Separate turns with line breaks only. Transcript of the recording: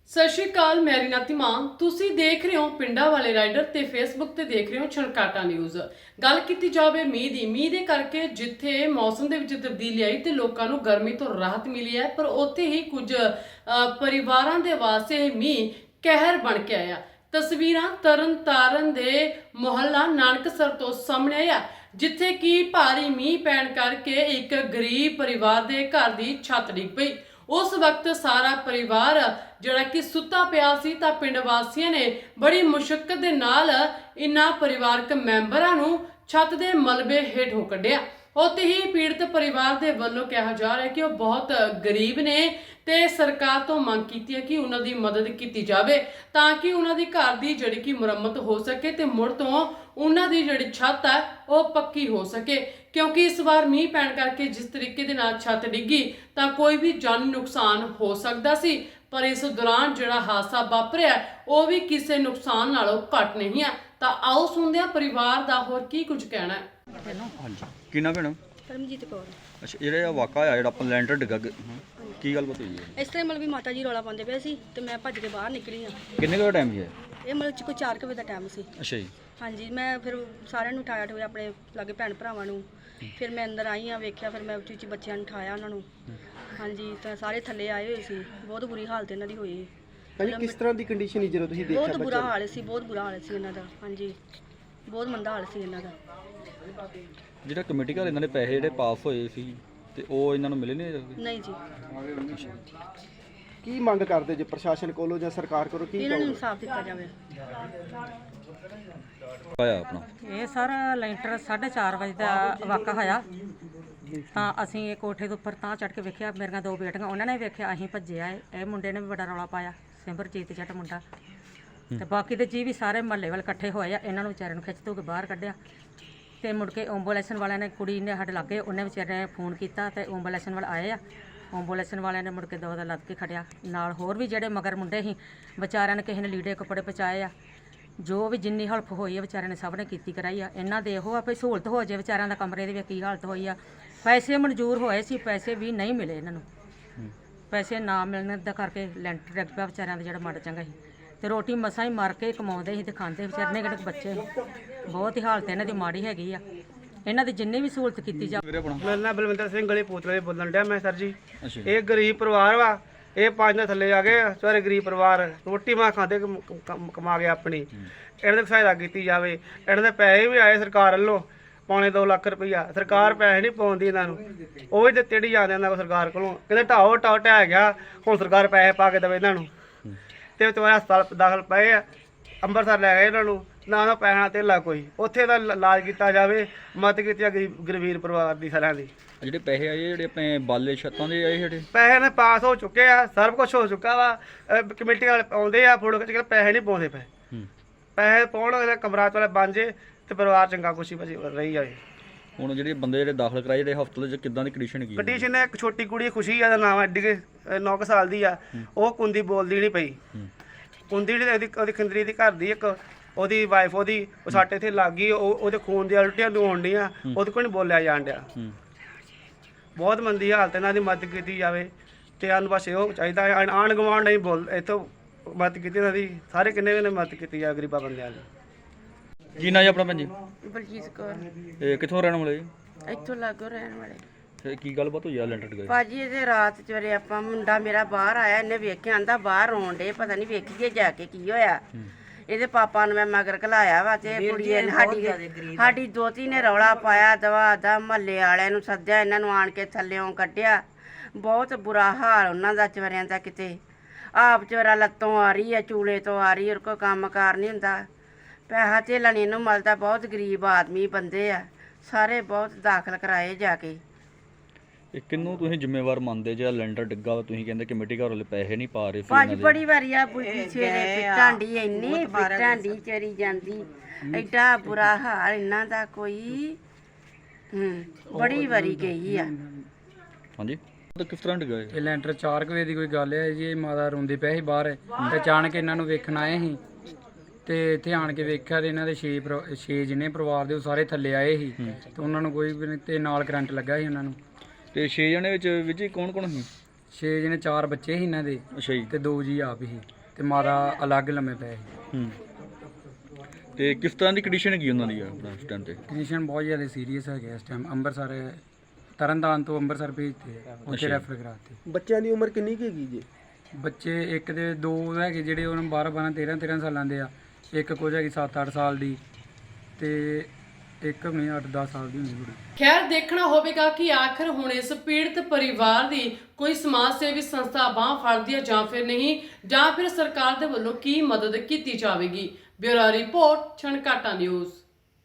ਸਤਿ ਸ਼੍ਰੀ ਅਕਾਲ, ਮੈਂ ਰੀਨਾਤੀ ਮਾਨ। ਤੁਸੀਂ ਦੇਖ ਰਹੇ ਹੋ ਪਿੰਡਾਂ ਵਾਲੇ ਰਾਈਡਰ ਤੇ ਫੇਸਬੁੱਕ ਤੇ ਦੇਖ ਰਹੇ ਹੋ ਛਣਕਾਟਾ ਨਿਊਜ਼। ਗੱਲ ਕੀਤੀ ਜਾਵੇ ਮੀਂਹ ਦੇ ਕਰਕੇ ਜਿੱਥੇ ਮੌਸਮ ਦੇ ਵਿੱਚ ਤਬਦੀਲੀ ਆਈ ਤੇ ਲੋਕਾਂ ਨੂੰ ਗਰਮੀ ਤੋਂ ਰਾਹਤ ਮਿਲੀ ਹੈ, ਪਰ ਉੱਥੇ ਹੀ ਕੁਝ ਪਰਿਵਾਰਾਂ ਦੇ ਵਾਸਤੇ ਇਹ ਮੀਂਹ ਕਹਿਰ ਬਣ ਕੇ ਆਇਆ। ਤਸਵੀਰਾਂ ਤਰਨਤਾਰਨ ਦੇ ਮੁਹੱਲਾ ਨਾਨਕਸਰ ਤੋਂ ਸਾਹਮਣੇ ਆਇਆ, ਜਿੱਥੇ ਕਿ ਭਾਰੀ ਮੀਂਹ ਪੈਣ ਕਰਕੇ ਇੱਕ ਗਰੀਬ ਪਰਿਵਾਰ ਦੇ ਘਰ ਦੀ ਛੱਤ ਡਿੱਗ ਪਈ। उस वक्त सारा परिवार जिहड़ा कि सुत्ता पिया सी तां पिंड वासियां ने बड़ी मुशक्कत दे नाल इन्हां परिवारक मैंबरां नूं छत दे मलबे हेठों कढिया। उत्थे ही पीड़ित परिवार दे वल्लों कहा जा रहा है कि वह बहुत गरीब ने ते सरकार तो मंग कीती है कि उन्हां दी मदद कीती जावे तां कि उन्हां दी घर दी जिहड़ी कि मुरम्मत हो सके ते मुड़ तों उन्हां दी जिहड़ी छत है वह पक्की हो सके, क्योंकि इस बार मींह पैण करके जिस तरीके दे नाल छत डिग्गी तां कोई भी जानी नुकसान हो सकदा सी, पर इस दौरान जिहड़ा हादसा वापरिया वो भी किसी नुकसान नालों घट नहीं है। तां आओ सुणदे हां परिवार दा होर की कुछ कहना है।
ਹਾਂਜੀ ਕੀ ਨਾ ਭੈਣ?
ਪਰਮਜੀਤ ਕੌਰ।
ਅੱਛਾ, ਜਿਹੜਾ ਵਾਕਾ ਆ ਜਿਹੜਾ ਆਪਾਂ ਲੈਂਟਰ ਡਿੱਗਾ ਕੀ ਗੱਲ ਬਤ ਹੋਈ ਹੈ?
ਇਸ ਤਰ੍ਹਾਂ ਮਤਲਬ ਵੀ ਮਾਤਾ ਜੀ ਰੌਲਾ ਪਾਉਂਦੇ ਪਏ ਸੀ ਤੇ ਮੈਂ ਭੱਜ ਕੇ ਬਾਹਰ ਨਿਕਲੀ ਆ।
ਕਿੰਨੇ ਕੁ ਟਾਈਮ ਹੈ?
ਇਹ ਮਤਲਬ ਕੋਈ 4 ਵਜੇ ਦਾ ਟਾਈਮ ਸੀ।
ਅੱਛਾ ਜੀ।
ਹਾਂਜੀ, ਮੈਂ ਫਿਰ ਸਾਰਿਆਂ ਨੂੰ ਉਠਾਇਆ ਠੋਇਆ, ਆਪਣੇ ਲਾਗੇ ਭੈਣ ਭਰਾਵਾਂ ਨੂੰ। ਫਿਰ ਮੈਂ ਅੰਦਰ ਆਈ ਆ, ਵੇਖਿਆ, ਫਿਰ ਮੈਂ ਉੱਚੀ ਉੱਚੀ ਬੱਚਿਆਂ ਨੂੰ ਉਠਾਇਆ ਉਹਨਾਂ ਨੂੰ। ਹਾਂਜੀ, ਤਾਂ ਸਾਰੇ ਥੱਲੇ ਆਏ ਹੋਏ ਸੀ। ਬਹੁਤ ਬੁਰੀ ਹਾਲਤ ਇਹਨਾਂ ਦੀ ਹੋਈ।
ਭਾਜੀ ਕਿਸ ਤਰ੍ਹਾਂ ਦੀ ਕੰਡੀਸ਼ਨ ਸੀ ਜਦੋਂ ਤੁਸੀਂ ਦੇਖਿਆ?
ਬਹੁਤ ਬੁਰਾ ਹਾਲ ਸੀ, ਬਹੁਤ ਬੁਰਾ ਹਾਲ ਸੀ ਇਹਨਾਂ ਦਾ। ਹਾਂਜੀ, ਬਹੁਤ ਮੰਦਾ ਹਾਲ ਸੀ ਇਹਨਾਂ ਦਾ।
ਜਿਹੜਾ ਕਮੇਟੀ ਘਰ ਇਹਨਾਂ ਦੇ ਪੈਸੇ ਜਿਹੜੇ ਪਾਸ ਹੋਏ ਸੀ ਤੇ ਉਹ ਇਹਨਾਂ ਨੂੰ ਮਿਲੇ
ਨਹੀਂ ਜੀ।
ਕੀ ਮੰਗ ਕਰਦੇ ਜੇ ਪ੍ਰਸ਼ਾਸਨ ਕੋਲੋਂ ਜਾਂ ਸਰਕਾਰ ਕੋਲੋਂ? ਕੀ
ਇਹਨਾਂ ਨੂੰ ਇਨਸਾਫ ਦਿੱਤਾ ਜਾਵੇ।
ਆਇਆ ਆਪਣਾ
ਇਹ ਸਰ ਲੈਂਟਰ 4:30 ਵਜੇ ਦਾ ਵਾਕਾ ਹੋਇਆ। ਤਾਂ ਅਸੀਂ ਇਹ ਕੋਠੇ ਦੇ ਉੱਪਰ ਤਾਂ ਚੜ੍ਹ ਕੇ ਵੇਖਿਆ, ਮੇਰੀਆਂ 2 ਬੇਟੀਆਂ ਉਹਨਾਂ ਨੇ ਵੇਖਿਆ, ਅਸੀਂ ਭੱਜੇ ਆਏ। ਇਹ ਮੁੰਡੇ ਨੇ ਵੀ ਬੜਾ ਰੌਲਾ ਪਾਇਆ, ਸਿਮਰਜੀਤ ਜੱਟ ਮੁੰਡਾ, ਤੇ ਬਾਕੀ ਦੇ ਜੀ ਵੀ ਸਾਰੇ ਮਹੱਲੇ ਵਾਲੇ ਇਕੱਠੇ ਹੋਏ ਆ। ਇਹਨਾਂ ਨੂੰ ਵਿਚਾਰਿਆਂ ਨੂੰ ਖਿੱਚ ਧੂ ਕੇ ਬਾਹਰ ਕੱਢਿਆ ਤੇ ਮੁੜ ਕੇ ਐਂਬੂਲੈਂਸ ਵਾਲਿਆਂ ਨੇ, ਕੁੜੀ ਨੇ ਸਾਡੇ ਲਾਗੇ, ਉਹਨੇ ਵਿਚਾਰੇ ਨੇ ਫੋਨ ਕੀਤਾ ਤੇ ਐਂਬੂਲੈਂਸ ਵਾਲੇ ਆਏ ਆ। ਐਂਬੂਲੈਂਸ ਵਾਲਿਆਂ ਨੇ ਮੁੜ ਕੇ ਦੋ ਦਾ ਲੱਦ ਕੇ ਖੜਿਆ। ਨਾਲ ਹੋਰ ਵੀ ਜਿਹੜੇ ਮਗਰ ਮੁੰਡੇ ਸੀ ਵਿਚਾਰਿਆਂ ਨੇ, ਕਿਸੇ ਨੇ ਲੀੜੇ ਕੱਪੜੇ ਪਹੁੰਚਾਏ ਆ। ਜੋ ਵੀ ਜਿੰਨੀ ਹੈਲਪ ਹੋਈ ਹੈ ਵਿਚਾਰਿਆਂ ਨੇ ਸਭ ਨੇ ਕੀਤੀ ਕਰਾਈ ਆ। ਇਹਨਾਂ ਦੇ ਇਹੋ ਆ ਵੀ ਸਹੂਲਤ ਹੋ ਜਾਏ ਵਿਚਾਰਿਆਂ ਦਾ। ਕਮਰੇ ਦੀ ਵੀ ਕੀ ਹਾਲਤ ਹੋਈ ਆ। ਪੈਸੇ ਮਨਜ਼ੂਰ ਹੋਏ ਸੀ, ਪੈਸੇ ਵੀ ਨਹੀਂ ਮਿਲੇ ਇਹਨਾਂ ਨੂੰ। ਪੈਸੇ ਨਾ ਮਿਲਣ ਦਾ ਕਰਕੇ ਲੈਂਟਰ ਡਿੱਗ ਪਿਆ ਵਿਚਾਰਿਆਂ ਦਾ, ਜਿਹੜਾ ਮਾੜਾ ਚੰਗਾ ਸੀ। ਤੇ ਰੋਟੀ ਮਸਾਂ ਹੀ ਮਾਰ ਕੇ ਕਮਾਉਂਦੇ ਸੀ ਤੇ ਖਾਂਦੇ ਵਿਚਾਰੇ ਨੇ। ਕਿਹੜੇ ਬੱਚੇ ਬਹੁਤ ਹੀ ਹਾਲਤ ਇਹਨਾਂ ਦੀ ਮਾੜੀ ਹੈਗੀ ਆ। ਇਹਨਾਂ ਦੀ ਜਿੰਨੀ ਵੀ ਸਹੂਲਤ ਕੀਤੀ ਜਾਵੇ।
ਮੇਰਾ ਨਾਮ ਬਲਵਿੰਦਰ ਸਿੰਘ ਗਲੀ ਪੂਤਲੇ ਬੋਲਣ ਡਿਆ ਮੈਂ ਸਰ ਜੀ। ਇਹ ਗਰੀਬ ਪਰਿਵਾਰ ਵਾ, ਇਹ 5 ਦਿਨ ਥੱਲੇ ਆ ਗਏ ਸਾਰੇ ਗਰੀਬ ਪਰਿਵਾਰ। ਰੋਟੀ ਮਾਂ ਖਾਂਦੇ ਕਮਾ ਕੇ ਆਪਣੀ। ਇਹਨਾਂ ਦੀ ਸਹਾਇਤਾ ਕੀਤੀ ਜਾਵੇ। ਇਹਨਾਂ ਦੇ ਪੈਸੇ ਵੀ ਆਏ ਸਰਕਾਰ ਵੱਲੋਂ, ਪੌਣੇ 2 ਲੱਖ ਰੁਪਈਆ। ਸਰਕਾਰ ਪੈਸੇ ਨਹੀਂ ਪਾਉਂਦੀ ਇਹਨਾਂ ਨੂੰ, ਉਹ ਵੀ ਦਿੱਤੇ ਨਹੀਂ ਜਾਂਦੇ ਇਹਨਾਂ ਕੋਲ ਸਰਕਾਰ ਕੋਲੋਂ। ਕਹਿੰਦੇ ਢਾਓ ਢਹਿ ਗਿਆ, ਹੁਣ ਸਰਕਾਰ ਪੈਸੇ ਪਾ ਕੇ ਦੇਵੇ ਇਹਨਾਂ ਨੂੰ। ਤੇ ਤੁਹਾਡੇ ਹਸਪਤਾਲ ਦਾਖਲ ਪਏ ਆ, ਅੰਮ੍ਰਿਤਸਰ ਲੈ ਗਏ ਇਹਨਾਂ ਨੂੰ। ਨਾ ਉਹਨਾਂ ਪੈਸਾ ਧੇਲਾ ਕੋਈ, ਉੱਥੇ ਦਾ ਇਲਾਜ ਕੀਤਾ ਜਾਵੇ। ਮਦਦ ਕੀਤੀ ਆ ਗਰੀਬ ਪਰਿਵਾਰ ਦੀ ਸਾਰਿਆਂ ਦੀ।
ਜਿਹੜੇ ਪੈਸੇ ਆਏ ਜਿਹੜੇ ਆਪਣੇ ਬਾਲੇ ਛੱਤਾਂ ਦੇ ਆਏ ਜਿਹੜੇ
ਪੈਸੇ ਨੇ ਪਾਸ ਹੋ ਚੁੱਕੇ ਆ, ਸਭ ਕੁਝ ਹੋ ਚੁੱਕਾ ਵਾ। ਕਮੇਟੀ ਵਾਲੇ ਆਉਂਦੇ ਆ ਫੋਟੋ ਖਿੱਚ ਕੇ, ਪੈਸੇ ਨਹੀਂ ਪਾਉਂਦੇ ਪਏ। ਪੈਸੇ ਪਾਉਣ ਕਮਰਾ ਵਾਲੇ ਬਣ ਜੇ ਤੇ ਪਰਿਵਾਰ ਚੰਗਾ ਖੁਸ਼ੀ ਰਹੀ ਜਾਵੇ।
ਹੁਣ ਜਿਹੜੇ ਬੰਦੇ ਜਿਹੜੇ ਦਾਖਲ ਕਰਾਏ ਜਿਹੜੇ ਹਸਪਤਾਲ 'ਚ ਕਿੱਦਾਂ ਦੀ ਕੰਡੀਸ਼ਨ ਕੀ?
ਕੰਡੀਸ਼ਨ ਹੈ, ਇੱਕ ਛੋਟੀ ਕੁੜੀ ਖੁਸ਼ੀ ਆ ਦਾ ਨਾਮ, ਐਡੀ 9 ਸਾਲ ਦੀ ਆ। ਉਹ ਕੁੰਦੀ ਬੋਲਦੀ ਨਹੀਂ ਪਈ। ਕੁੰਦੀ ਜਿਹੜੀ ਉਹਦੀ ਖੰਦਰੀ ਦੀ ਘਰ ਦੀ ਇੱਕ ਉਹਦੀ ਵਾਈਫ, ਉਹਦੀ ਉਹ ਸਾਡੇ ਇੱਥੇ ਲੱਗ ਗਈ। ਉਹਦੇ ਖੂਨ ਦੀਆਂ ਉਲਟੀਆਂ ਨੂੰ ਹੋਣ ਡੀਆਂ, ਉਹਦੇ ਕੋਲ ਨਹੀਂ ਬੋਲਿਆ ਜਾਣ ਡਿਆ। ਬਹੁਤ ਮੰਦੀ ਹਾਲਤ, ਇਹਨਾਂ ਦੀ ਮਦਦ ਕੀਤੀ ਜਾਵੇ। ਤੇ ਸਾਨੂੰ ਬਸ ਇਹੋ ਚਾਹੀਦਾ, ਆਂਢ ਗੁਆਂਢ ਨਹੀਂ ਬੋਲ, ਇੱਥੋਂ ਮਦਦ ਕੀਤੀ ਇਹਨਾਂ ਦੀ। ਸਾਰੇ ਕਿੰਨੇ ਵੀ ਮਦਦ ਕੀਤੀ ਜਾਵੇ ਗਰੀਬਾਂ ਬੰਦਿਆਂ ਦੀ।
ਕੀ ਨਾਂ ਜੀ ਆਪਣਾ ਭੈਣ ਜੀ?
ਬਲਜੀਤ ਕੌਰ।
ਇਹ ਕਿੱਥੋਂ ਰਹਿਣ ਵਾਲੇ?
ਇੱਥੋਂ ਲਾਗੋ ਰਹਿਣ ਵਾਲੇ।
ਤੇ ਕੀ ਗੱਲਬਾਤ ਹੋਈ ਆ ਲੈਂਟਰ ਡਿੱਗਾ?
ਭਾਜੀ ਇਹਦੇ ਰਾਤ ਚਵਰੇ ਆਪਾਂ ਮੁੰਡਾ ਮੇਰਾ ਬਾਹਰ ਆਇਆ, ਇਹਨੇ ਵੇਖਿਆ, ਆਂਦਾ ਬਾਹਰ ਰੋਣ ਡੇ, ਪਤਾ ਨਹੀਂ ਵੇਖੀਏ ਜਾ ਕੇ ਕੀ ਹੋਇਆ। ਇਹਦੇ ਪਾਪਾ ਨੂੰ ਮੈਂ ਮਗਰ ਘਲਾਇਆ ਵਾ ਤੇ ਕੁੜੀ ਸਾਡੀ ਦੋਤੀ ਨੇ ਰੌਲਾ ਪਾਇਆ, ਦਵਾ ਦਾ ਮਹੱਲੇ ਵਾਲਿਆਂ ਨੂੰ ਸੱਦਿਆ, ਇਹਨਾਂ ਨੂੰ ਆਣ ਕੇ ਥੱਲਿਓਂ ਕੱਢਿਆ। ਬਹੁਤ ਬੁਰਾ ਹਾਲ ਉਹਨਾਂ ਦਾ ਚਵਰਿਆਂ ਦਾ। ਕਿਤੇ ਆਪ ਚਵਰਾ ਲੱਤੋਂ ਆ ਰਹੀ ਹੈ, ਚੂਲੇ ਤੋਂ ਆ ਰਹੀ, ਉਹਦੇ ਕੋਲ ਕੰਮ ਕਾਰ ਨਹੀਂ ਹੁੰਦਾ, ਪੈਸਾ ਧੇਲਾ ਨਹੀਂ ਇਹਨੂੰ ਮਿਲਦਾ। ਬਹੁਤ ਗਰੀਬ ਆਦਮੀ ਬੰਦੇ ਆ ਸਾਰੇ, ਬਹੁਤ ਦਾਖਲ ਕਰਾਏ ਜਾ ਕੇ।
ਇਹ ਕਿੰਨੂੰ ਤੁਸੀਂ ਜ਼ਿੰਮੇਵਾਰ ਮੰਨਦੇ ਜਿਹੜਾ ਲੈਂਟਰ ਡਿੱਗਾ ਵਾ? ਤੁਸੀਂ ਕਹਿੰਦੇ ਕਮੇਟੀ ਘਰ ਵਾਲੇ ਪੈਸੇ ਨਹੀਂ ਪਾ ਰਹੇ ਸੀ
ਭਾਜੀ ਬੜੀ ਵਾਰੀ ਆ ਸਵੇਰੇ ਪਿੱਟਾਂਡੀ, ਇੰਨੀ ਪਿੱਟਾਂਡੀ ਚਰੀ ਜਾਂਦੀ, ਐਡਾ ਬੁਰਾ ਹਾਲ ਇਹਨਾਂ ਦਾ ਕੋਈ। ਬੜੀ ਵਾਰੀ ਗਈ ਆ।
ਹਾਂਜੀ, ਤਾਂ ਕਿਸ ਤਰ੍ਹਾਂ ਡਿੱਗਾ
ਇਹ ਲੈਂਟਰ 4 ਵਜੇ ਦੀ ਕੋਈ ਗੱਲ ਹੈ ਜੀ। ਇਹ ਮਾਤਾ ਰੋਂਦੀ ਪਏ ਸੀ ਬਾਹਰ ਤੇ ਅਚਾਨਕ ਇਹਨਾਂ ਨੂੰ ਵੇਖਣ ਆਏ ਸੀ ਤੇ ਇੱਥੇ ਆਣ ਕੇ ਵੇਖਿਆ ਤੇ ਇਹਨਾਂ ਦੇ 6 ਜਿਹਨੇ ਪਰਿਵਾਰ ਦੇ ਉਹ ਸਾਰੇ ਥੱਲੇ ਆਏ ਸੀ ਤੇ ਉਹਨਾਂ ਨੂੰ ਕੋਈ ਵੀ ਨਹੀਂ, ਤੇ ਨਾਲ ਕਰੰਟ ਲੱਗਾ ਸੀ ਉਹਨਾਂ ਨੂੰ।
ਤੇ 6 ਜਣੇ ਵਿੱਚ ਕੌਣ ਕੌਣ ਸੀ?
6 ਜਿਹਨੇ 4 ਬੱਚੇ ਸੀ ਇਹਨਾਂ ਦੇ।
ਅੱਛਾ ਜੀ।
ਤੇ 2 ਜੀ ਆਪ ਸੀ। ਤੇ ਮਾਤਾ ਅਲੱਗ ਲੰਮੇ ਪਏ ਸੀ।
ਹੂੰ ਤੇ ਕਿਸ ਤਰ੍ਹਾਂ ਦੀ ਕੰਡੀਸ਼ਨ ਹੈਗੀ ਉਹਨਾਂ ਦੀ ਆਪਣਾ ਇਸ ਟਾਈਮ ਤੇ?
ਕੰਡੀਸ਼ਨ ਬਹੁਤ ਜ਼ਿਆਦਾ ਸੀਰੀਅਸ ਹੈਗੇ ਇਸ ਟਾਈਮ। ਅੰਮ੍ਰਿਤਸਰ ਤਰਨਤਾਰਨ ਤੋਂ ਅੰਮ੍ਰਿਤਸਰ ਭੇਜਤੇ ਉੱਥੇ ਰੈਫਰ ਕਰਾਤੇ।
ਬੱਚਿਆਂ ਦੀ ਉਮਰ ਕਿੰਨੀ ਕੁ ਹੈਗੀ ਜੀ?
ਬੱਚੇ ਇੱਕ ਦੇ ਦੋ ਹੈਗੇ ਜਿਹੜੇ ਉਹਨਾਂ 12 13 ਸਾਲਾਂ ਦੇ ਆ, ਇੱਕ ਕੁਝ ਹੈਗੀ 7-8 ਸਾਲ ਦੀ ਤੇ ਇੱਕ ਨਹੀਂ 8-10 ਸਾਲ ਦੀ ਹੁੰਦੀ ਕੁੜੀ।
ਖੈਰ ਦੇਖਣਾ ਹੋਵੇਗਾ ਕਿ ਆਖਰ ਹੁਣ ਇਸ ਪੀੜਤ ਪਰਿਵਾਰ ਦੀ ਕੋਈ ਸਮਾਜ ਸੇਵੀ ਸੰਸਥਾ ਬਾਂਹ ਫੜਦੀ ਹੈ ਜਾਂ ਫਿਰ ਨਹੀਂ, ਜਾਂ ਫਿਰ ਸਰਕਾਰ ਦੇ ਵੱਲੋਂ ਕੀ ਮਦਦ ਕੀਤੀ ਜਾਵੇਗੀ। Bureau report, Chhankata news.